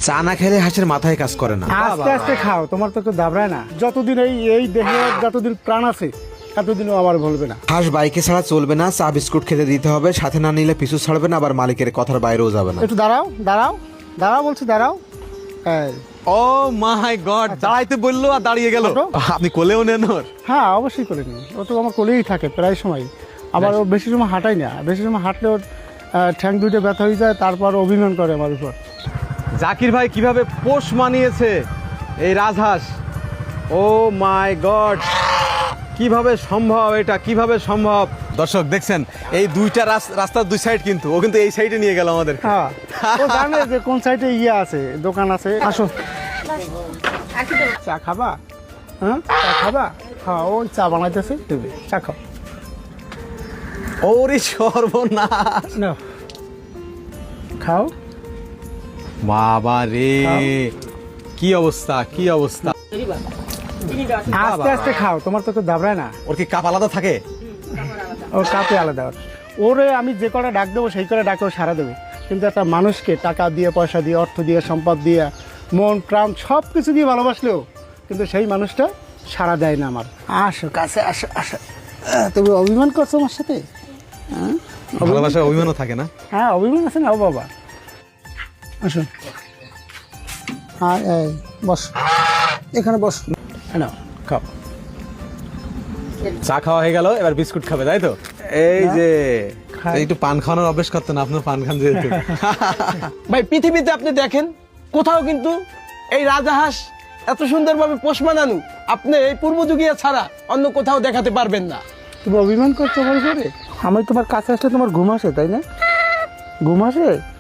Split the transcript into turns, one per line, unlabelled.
চা না খেলে হাঁসের মাথায় কাজ করে না।
আস্তে আস্তে খাও, তোমার তো কেউ দাবড়ায় না। যতদিন এই দেহে যতদিন প্রাণ আছে এতদিনও আমার বলবে না।
হাঁস বাইকে ছাড়া চলবে না, চা বিস্কুট খেতে দিতে হবে, সাথে না নিলে পিছু ছাড়বে না, আবার মালিকের কথার বাইরেও যাবে না।
একটু দাঁড়াও দাঁড়াও দাঁড়াও, বলছি দাঁড়াও। এই,
ও মাই গড, দাঁড়াইতে বললো আর দাঁড়িয়ে গেল।
ওঠো।
আপনি কোলেও নেন ওর?
হ্যাঁ অবশ্যই করে নিই, ও তো আমার কোলেই থাকে প্রায় সময়। আবার ও বেশি সময় হাঁটাই না, বেশি সময় হাঁটলে ওর ঠ্যাং দুইটা ব্যথা হয়ে যায়, তারপর অভিমান করে আমার উপর।
জাকির ভাই কিভাবে পোষ মানিয়েছে এই রাজহাঁস, ও মাই গড, কিভাবে সম্ভব এটা, কিভাবে সম্ভব? দর্শক দেখছেন এই দুইটা রাস্তার দুই সাইড, কিন্তু ও কিন্তু এই সাইডে নিয়ে গেল আমাদের।
হ্যাঁ ও জানে যে কোন সাইডে আছে, দোকান আছে। আসো, চা খাবা? হ্যাঁ চা খাবা? হ্যাঁ ও চা বানাইতেছে, দেবে, চা খাও।
ওরে সর্বনাশ,
নাও, খাও।
বাবা রে, কি অবস্থা, কি অবস্থা।
আস্তে আস্তে খাও, তোমার তো কেউ দাবড়ায় না।
ওর কি কাপ আলাদা থাকে?
ও কাপে আলাদা ওর। ওরে আমি যে কটা ডাক দেবো সেই কটা ডাকে ও সারা দেবে, কিন্তু একটা মানুষকে টাকা দিয়ে, পয়সা দিয়ে, অর্থ দিয়ে, সম্পদ দিয়ে, মন প্রাণ সব কিছু দিয়ে ভালোবাসলেও কিন্তু সেই মানুষটা সারা দেয় না আমার। আসো কাছে, আসো আসো। তুমি অভিমান করছো আমার সাথে? হ্যাঁ
ভালোবাসা অভিমানও থাকে না?
হ্যাঁ অভিমান আছে না। ও বাবা আসো, হ্যাঁ এই বস, এখানে বস, নাও খাও।
চা খাওয়া হয়ে গেল, এবার বিস্কুট খাবে তাই তো? এই যে
খাই।
একটু পান খাওয়ানোর অভ্যেস করতেন না, আপনার পান খান যেহেতু।
ভাই পৃথিবীতে আপনি দেখেন কোথাও কিন্তু এই রাজাহাঁস এত সুন্দরভাবে পোষ মানানো আপনি এই পূর্বযুগীয় ছাড়া অন্য কোথাও দেখাতে পারবেন না।
তুমি অভিমান করছো আমার উপরে? আমি তোমার কাছে আসলে তোমার ঘুম আসে, তাই না? ঘুম আসে?